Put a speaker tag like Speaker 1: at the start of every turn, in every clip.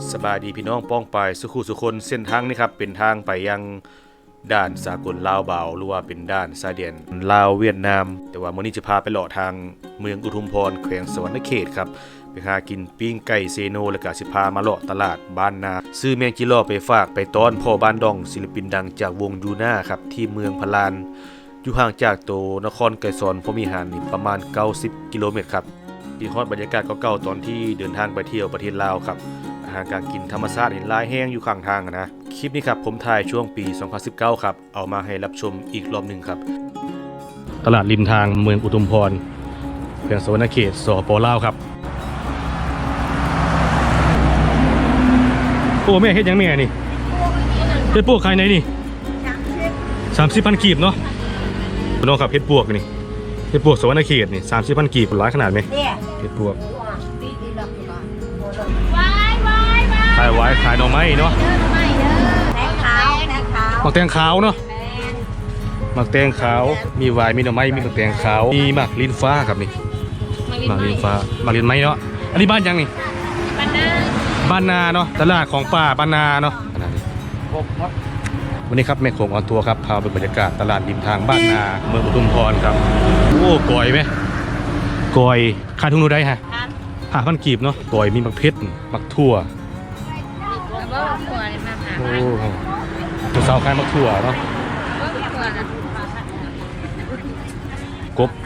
Speaker 1: สบายดีพี่น้องป้องไปสุขุสุคนเส้นทางนี้ครับเป็นทางไปยังด่านสากลลาวเบาหรือว่าเป็นด่านชายแดนลาวเวียดนามแต่ว่ามื้อนี้จะพาไปเลาะทางเมืองอุทุมพรแขวงสวรรณเขตครับไปหากินปิ้งไก่เซโนแล้วก็สิพามาเลาะตลาดบ้านนาซื้อแมงจิโร่ไปฝากไปต้อนพ่อบ้านดองศิลปินดังจากวงยูน่าครับที่เมืองพะลานอยู่ห่างจากโตนครไกรสอนพรหมวิหารนี่ประมาณ90กิโลเมตรครับที่ฮอดบรรยากาศเก่าๆตอนที่เดินทางไปเที่ยวประเทศลาวครับอาหารการกินธรรมชาติเห็นลายแห้งอยู่ข้างทางนะคลิปนี้ครับผมถ่ายช่วงปี2019ครับเอามาให้รับชมอีกรอบหนึ่งครับตลาดริมทางเมืองอุทุมพรแขวงสวรรณเขตสป.ลาวครับโอ้แม่เฮ็ดยังแม่นี่เฮ็ดปวกขายไหนนี่30,000กีบเนาะพี่น้องครับเฮ็ดปวกนี่เฮ็ดปวกสวรรณเขตนี่30,000กีบหลายขนาดไหมเฮ็ดปวกขายไว้ขายหน่อไม้เนาะหมักแตงขาวเนาะหมักแตงขาวมีไวน์มีหน่อไม้มีหมักแตงขาวมีหมักลิ้นฟ้าครับนี่หมักลิ้นฟ้าหมักลิ้นไม้เนาะอันนี้บ้านยังนี่บ้านนาเนาะตลาดของป่าบ้านนาเนาะวันนี้ครับแม่โขงออนทัวร์ครับพาไปบรรยากาศตลาดริมทางบ้านนาเมืองอุทุมพรครับโอ้กอยไหมกอยขายทุ่งนูได้ฮะ5,000กีบเนาะกอยมีหมักเพชรหมักถั่วโอ้ตัวสาวขายมักถั่วเนาะกบ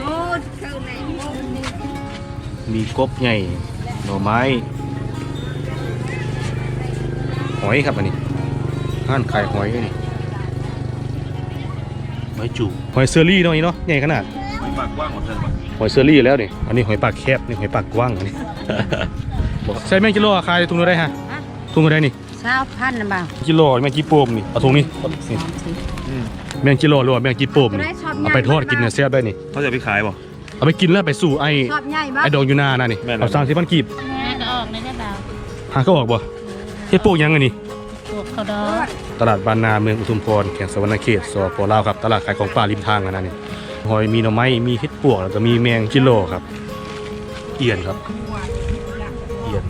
Speaker 1: มีกบใหญ่หน่อไม้หอยครับอันนี้ห้านขายหอยนี่หอยจูหอยเซอรี่เนาะนี่เนาะใหญ่ขนาดหอยปากกว้างหมดเลยหอยเซอรี่แล้วนี่อันนี้หอยปากแคบนี่หอยปากกว้างอันนี้ ใส่แมงกิโลขายถุงเท่าไรฮะถุงเท่าไรนี่
Speaker 2: 20,000นะบ่าว
Speaker 1: กิโลแมงจีโปมนี่เอาถุงนี้แมงกิโลหรือว่าแมงจีโปมนี่เอาไปทอดกินเนี่ยแซ่บได้นี่เขาจะไปขายป่ะเอาไปกินแล้วไปสู่ไอ้ดองยูนาน่ะนี่เอา30,000กีบ
Speaker 2: ก็ออกได้บ่าว
Speaker 1: หาก็ออกบ่เฮ็ดโปกยังไงนี่
Speaker 2: พวกเขาดอ
Speaker 1: ตลาดบ้านนาเมืองอุทุมพรแขวงสวรรณเขตสป.ลาวครับตลาดขายของป่าริมทางนะนี่หอยมีหน่อไม้มีเฮ็ดปวกแล้วก็มีแมงกิโลครับเอียนครับเอียน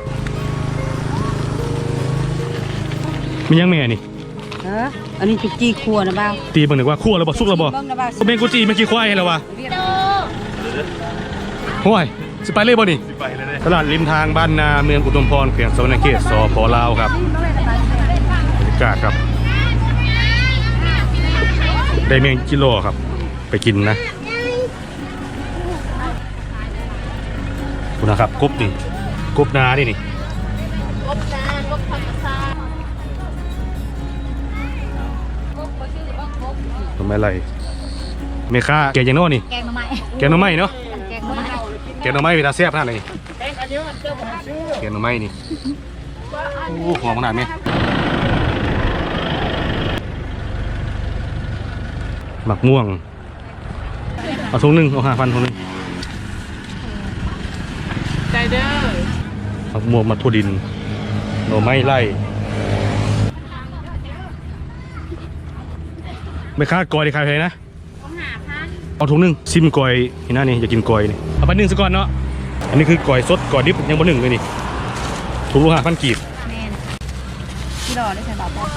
Speaker 1: มียังแม่นี่
Speaker 2: อันนี้จุกจีคั่วนะบ่าว
Speaker 1: ตีเบิ่งหนึ่งว่าคั่วแล้วบ่สุกแล้วบ่แมงกุจีแมงกี้ควายให้แล้ววะห้วยสิไปเลยบ่นี่ตลาดริมทางบ้านนาเมืองอุทุมพรแขวงสวรรณเขตสป.ลาวครับบรรยากาศครับได้แมงกิโลครับไปกินนะคุณนะครับกบนี่กบนาดินี่
Speaker 2: กบนากบธรรมชาติกบบ่ชื่อว่ากบ
Speaker 1: ทำไมไรเมค่าแกงยังโน่นี่
Speaker 2: แกงหน่อไม้
Speaker 1: แกงหน่อไม้เนาะ
Speaker 2: แกงหน่อไม้
Speaker 1: แกงหน่อไม้เวลาแซ่บขนาดไหนแกงหน่อไม้นี่โอ้หอมขนาดไหมหมักม่วงเอาถุงนึงเอา5,000ถุงนึง
Speaker 2: ใจเด้อ
Speaker 1: หมักม่วงมัดถั่วดินหน่อไม้ไล่ไม่ค่ากอยได้ขายเพลนะเอาถุงนึงซิมกอยเห็นหน้านี่อยากกินกอยนี่เอาไป1ซะก่อนเนาะอันนี้คือกอยสดกอยดิบยังบ่1เลยนี่ถุงละ5,000กีบ
Speaker 2: ที่รอได้ใช่ป่าวพ่อ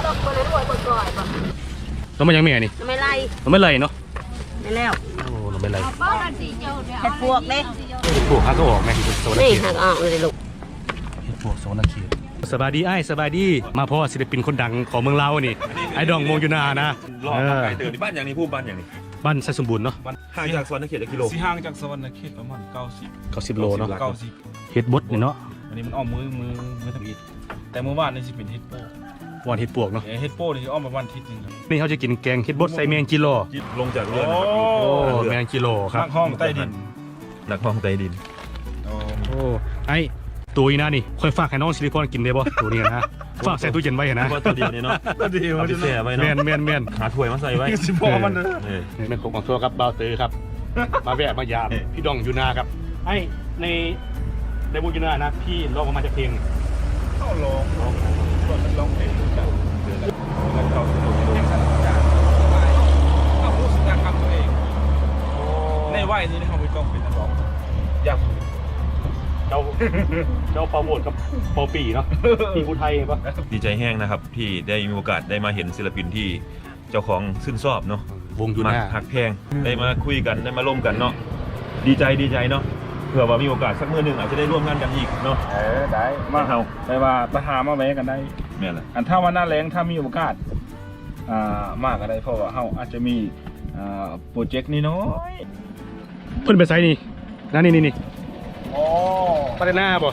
Speaker 1: แล้วมันยังแม่นี่
Speaker 2: ไม่ไล่
Speaker 1: ไม่ไล่เนาะ
Speaker 2: ไม่แล้ว
Speaker 1: โอ้เราไม่ไล่
Speaker 2: เห็ดพวกเด้
Speaker 1: เห็ดพวกฮักก็ออกแม่ที่โซน
Speaker 2: นี่หักออกเลยลูก
Speaker 1: เห็ดพวกโซนเขตสบายดีไอ้สบายดีมาพ่อศิลปินคนดังของเมืองลาวนี่ไอ้ดองมงยูนานะ
Speaker 3: รอไก่เตือนบ้านอย่างนี้พูดบ้านอย่างนี้
Speaker 1: บ้านไซสมบูรณ์เนาะ
Speaker 3: ห่างจากสวรรณเขตกิโล
Speaker 4: ห่างจากสวรรณเขตประมาณ
Speaker 1: 90โลเนาะ
Speaker 4: 90
Speaker 1: เฮ็ดบดนี่เนาะ
Speaker 4: อันนี้มันอ้อมมือทำอิฐแต่เมื่อวานนี่สิเป็นเฮ็ดโป้
Speaker 1: วานเฮ็ดปวกเนาะ
Speaker 4: เฮ็ดโป้นี่อ้อมประมาณทิศนึงครับ
Speaker 1: นี่เขาจะกินแกงเฮ็ดบดใส่แมงกิโล
Speaker 3: ลงจากเรือ
Speaker 1: โอ้แมงกิโลครับ
Speaker 4: ห้องใต้ดิน
Speaker 3: นักห้องใต้ดิน
Speaker 1: โอ้ไอ้ตัวนี้นะนี่ค่อยฝากให้น้องซิลิคอนกินได้บ่ตัวนี้นะฝากใส่ตู้เย็นไว้นะ
Speaker 3: ตัวเดียวนี่เนาะ
Speaker 4: ตัวเดียว
Speaker 3: เอาไปแช่ไว้เนาะ
Speaker 1: แม่น
Speaker 3: หาถ้วยมาใส่ไว้
Speaker 4: สิพอมัน
Speaker 1: แม่นของทัวร์ครับบาวเตอร์ครับมาแวะมายามพี่ดองยูนาครับไอ้ในวงยูนานะพี่ร้องมาจากเพลง
Speaker 4: เข้าร้องเพลงกันเข้าสนุกเพลงสนุกจังเอาพูดสัญญาคำตัวเองในวัยนี้นะครับพี่ก้องเป็นนักร้องอยาก
Speaker 1: เจ้าเปาโหมดกับเปาปีเนาะปีผู้ไทยปะ
Speaker 3: ดีใจแห้งนะครับที่ได้มีโอกาสได้มาเห็นศิลปินที่เจ้าของชื่นชอบเนาะ
Speaker 1: วงอยู่ห
Speaker 3: มา
Speaker 1: น้า
Speaker 3: หักแพงได้มาคุยกันได้มาร่วมกันเนาะดีใจเนาะเผื่อว่ามีโอกาสสักมื้อหนึงอาจจะได้ร่วมงานกันอีกเนาะ
Speaker 4: ได้มาเฮาไปว่าไปหามาแวะกันได้
Speaker 3: แม่นล่ะ
Speaker 4: อันถ้าวันหน้าแรงถ้ามีโอกาสมากก็ได้เพราะว่าเฮาอาจจะมีโปรเจกต์นี้น้อย
Speaker 1: เพิ่นไปไซนี่นั่นนี่
Speaker 4: โอ้
Speaker 1: ปาเดน่าบ่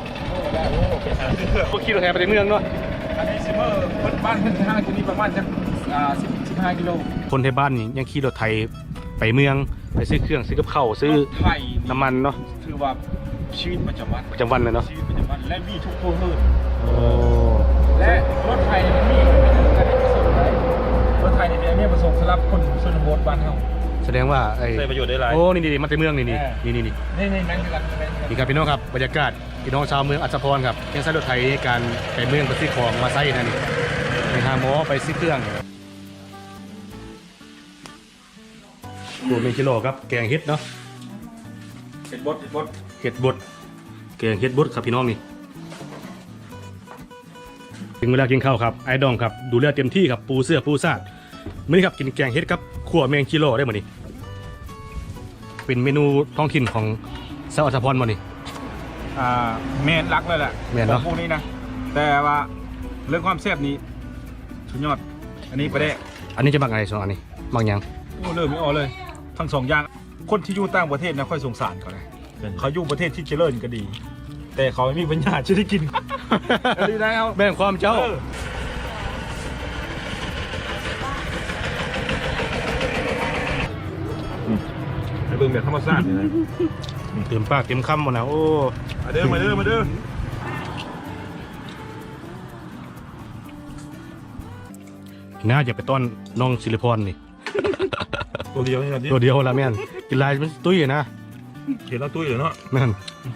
Speaker 1: พวกขี่รถแห่ไปในเมืองเนาะ
Speaker 4: อันนี้ซิเมอร์บ้านเพิ่นทางจะมีประมาณสัก15 กิโล
Speaker 1: คนในบ้านนี่ยังขี่รถไทยไปเมืองไปซื้อเครื่องซื้อกับข้าวซื้อ
Speaker 4: ไทย
Speaker 1: น้ำมันเนาะ
Speaker 4: ถือว่าชีวิตประจำวัน
Speaker 1: ประจำวันเลยเนาะ
Speaker 4: ชีวิตประจำวันและมีทุกครัวเรือน
Speaker 1: โอ้
Speaker 4: และรถไทยมันมีไม่ถึงการประสงค์ได้รถไทยเนี่ยมีประสงค์สำหรับคนชนบทบ้านเฮา
Speaker 1: แสดงว่าไอ้
Speaker 3: ได้ประโยชน์ได้หลาย
Speaker 1: โอ้นี่มาแต่เมืองนี่
Speaker 4: เออ
Speaker 1: นี่
Speaker 4: นี่แม่นคือกันแม่นคือกัน
Speaker 1: นี่ครับพี่น้องครับบรรยากาศพี่น้องชาวเมืองอัศพรครับยังใช้รถไทยในการไปเมืองไปซื้อของมาใช้นั่นนี่ไปหาหมอไปซื้อเครื่องโอ้เป็นกิโลครับแกงเห็ดเนาะ
Speaker 4: เป็นบท
Speaker 1: เห็ดบดแกงเห็ดบดครับพี่น้องนี่ถึงเวลากินข้าวครับไอ้ดองครับดูแลเต็มที่ครับปูเสื้อปูซาดมื้อนี้ครับกินแกงเห็ดครับขั่วแมงกิโลได้หมดนี่เป็นเมนูท้องถิ่นของชาวอัศพรหมดนี่
Speaker 4: แม่นรักเลยแหละ
Speaker 1: แม่นเนอะ
Speaker 4: ของพวกนี้นะแต่ว่าเรื่องความแซ่บนี้สุดยอดอันนี้ประเดะ
Speaker 1: อันนี้จะบักอะไรสองอันนี้บักหยัง
Speaker 4: โอ้เริ่มไม่ออกเลยทั้งสองอย่างคนที่อยู่ต่างประเทศนะค่อยสงสารเขาเลยเขาอยู่ประเทศที่เจริญก็ดี แต่เขาไม่มีปัญญาจะได้กิน ดีได้เอา
Speaker 1: แบ่งความเจ้า
Speaker 3: ให้เบิ่งแบบธรรมชาตินี่นะ
Speaker 1: เต็มปากเต็มคำหมดนะโอ้
Speaker 3: มาเด้อ
Speaker 1: น่าจะไปต้อนน้องศิริพรนี่
Speaker 3: ตัวเดียวนี่ครับที่
Speaker 1: ตัวเดียวละแม่นกินลายมันตุ้ยนะ
Speaker 3: เห็นแล้วตุ้ยเลยเนาะ
Speaker 1: แม่น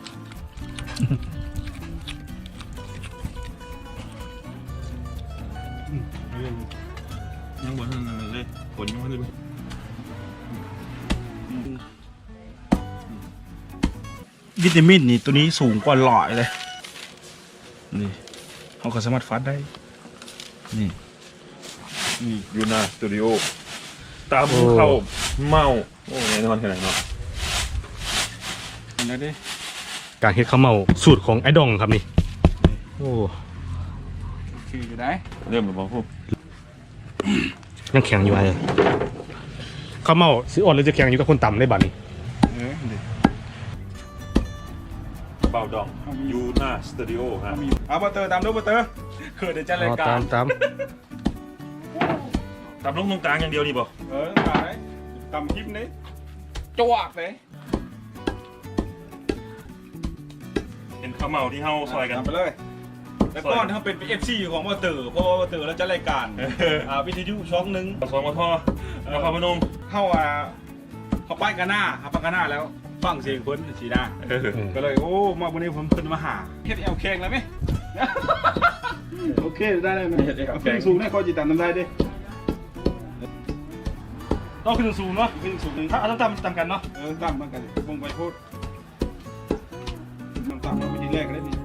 Speaker 3: ยังบ่ทันเลยผลยังบ่ทันเลย
Speaker 4: วิตามินนี่ตัวนี้สูงกว่าหลอดเลยนี่เขาก็สามารถฟัดได้นี่
Speaker 3: ยูนาสตูดิโอตามเข้าเมาโอ้แน่นอนขนาดเนาะ
Speaker 4: เห็นแล้วดิ
Speaker 1: การเฮ็ดข้าวเมาสูตรของไอ้ดองครับนี่โอ้
Speaker 4: คืออยู่ได้
Speaker 3: เริ่มแล้วบ่พวก
Speaker 1: ยังแข็งอยู่ไอ้ข้าวเมาสิอ่อนหรือจะแข็งอยู่กับคนต่ำได้บัดนี้
Speaker 4: ดิ
Speaker 3: เบาดองยูนาสตูดิโอฮะ
Speaker 4: เอาบัตเตอร์ตามด้วยบัตเตอร์เขินเดี๋ยวจะรายกา
Speaker 1: ตาร ม
Speaker 3: ตามลงตรงกลางอย่างเดียวนี่บ่
Speaker 4: ตามเลยตามคลิปนี้จวกเลย
Speaker 3: เป็นข้าวเมาที่เฮาซอยกัน
Speaker 4: ตามไปเลยแล้วก่อนเขาเป็น FC ของบัตเตอร์เพราะว่าบัตเตอร์เราจะรายการวิทยุช่องหนึ่ง
Speaker 3: สองมทนครพนม
Speaker 4: เข้าเขาป้ายกันหน้าเขาป้ายกันหน้าแล้วฟังเสียงเพิ่นสีหน้าก็เลยโอ้มาวันนี้ผมเพิ่นมาหาเฮ็ดแอลแข่งแล้วไหม โอเคได้เลยนะขึ้นสูงได้ข้อจิตตันทำได้ดิ
Speaker 1: ต้องขึ้นสูงเนาะ
Speaker 4: ขึ้นสูง
Speaker 1: ถ้าเอาตามกันเนาะ
Speaker 4: ต่ำเหมือนกันวงไปโคตรมันต่ำมาวิธีแรกเลยนี่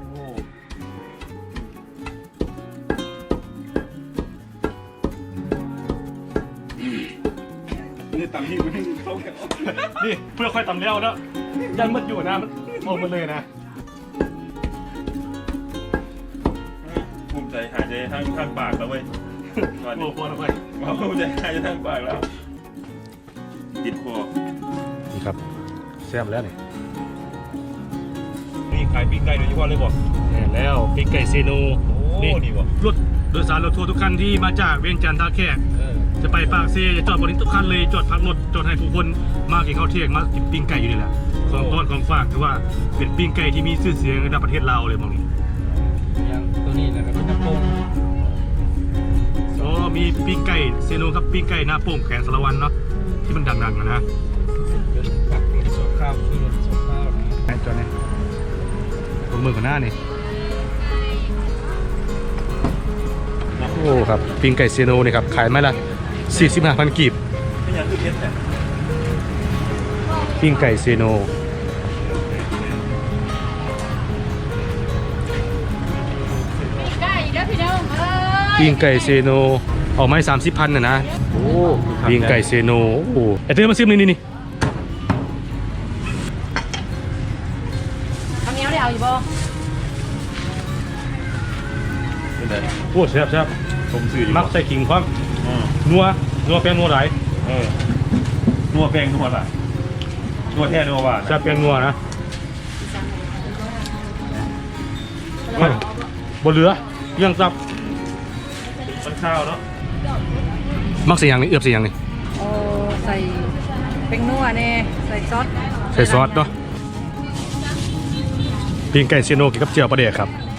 Speaker 4: นี่ต่ำที่มันเข้าแถว
Speaker 1: นี่เพื่อค่อยต่ำแล้วเนาะยังมืดอยู่นะมันมองมันเลยนะ
Speaker 3: ภูมิใจหายใจทางปากแล้วเว้ย
Speaker 1: โอ้โหแล้วไป
Speaker 3: ภูมิใจหายใจทางปากแล้วติดคอ
Speaker 1: นี่ครับแซ่บแล้วนี่
Speaker 3: นี่ขายปีกไก่โดยเฉพาะเลยบ่
Speaker 1: แน่แล้วปีกไก่เซโน
Speaker 3: โอ้นี่บ่
Speaker 1: รถโดยสารรถทัวร์ทุกคันที่มาจากเวียงจันทร์ท่าแขกจะไปปากเซจะจอดบนนี้ทุกคันเลยจอดพักรถจอดให้ผู้คนมากินข้าวเที่ยงมากินปิ้งไก่อยู่นี่แหละของต้อนของฝากถือว่าเป็นปิ้งไก่ที่มีชื่อเสียงระดับประเทศลาวเลยมองนี้
Speaker 4: อย่างตัวนี้นะครับเป็นน้ำโป่ง
Speaker 1: อ๋อมีปิ้งไก่เซโนครับปิ้งไก่หน้าโป่งแขนสารวันเนาะที่มันดังๆนะ
Speaker 4: ปักเป็นส่วนข้าวคือส่วนข้าวนะ
Speaker 1: ไอ้ตัวนี้ตรงมือกับหน้านี่โอ้ครับปิ้งไก่เซโนนี่ครับขายไม้ละ45,000 กีบ
Speaker 3: ไม่อยากคือเพชรแต่
Speaker 1: ปิ้งไก่เซโนปิ้งไก่เซโนออกไม้30,000น่ะนะโอ้ปิ้งไก่เซโนโอ้ไอเต้มาซิมนี่
Speaker 2: ข้าวเหนียวได้เอาอยู่บ่
Speaker 3: เป็นไง
Speaker 1: โอ้แซ่บ
Speaker 3: ผมซื้ออยู่
Speaker 1: มักใส่ขิงพร้อม
Speaker 3: อืม
Speaker 1: นัวแป้งนัวหลาย
Speaker 3: นัวแป้งนัวอะไรนัวแท้นัวหวาน
Speaker 1: แซ่บแป้งนัวนะบ่เหลือเรื่องซับ
Speaker 3: มันข้าวเนาะ
Speaker 1: มักใส่หยังนี่เอือบใส่หยังนี่
Speaker 2: โอ้ใส่เป็นนัวแน่ใส่ซอส
Speaker 1: ใส่ซอสเนาะปิ้งไก่เซโนกินกับเจียวปลาแดกครับ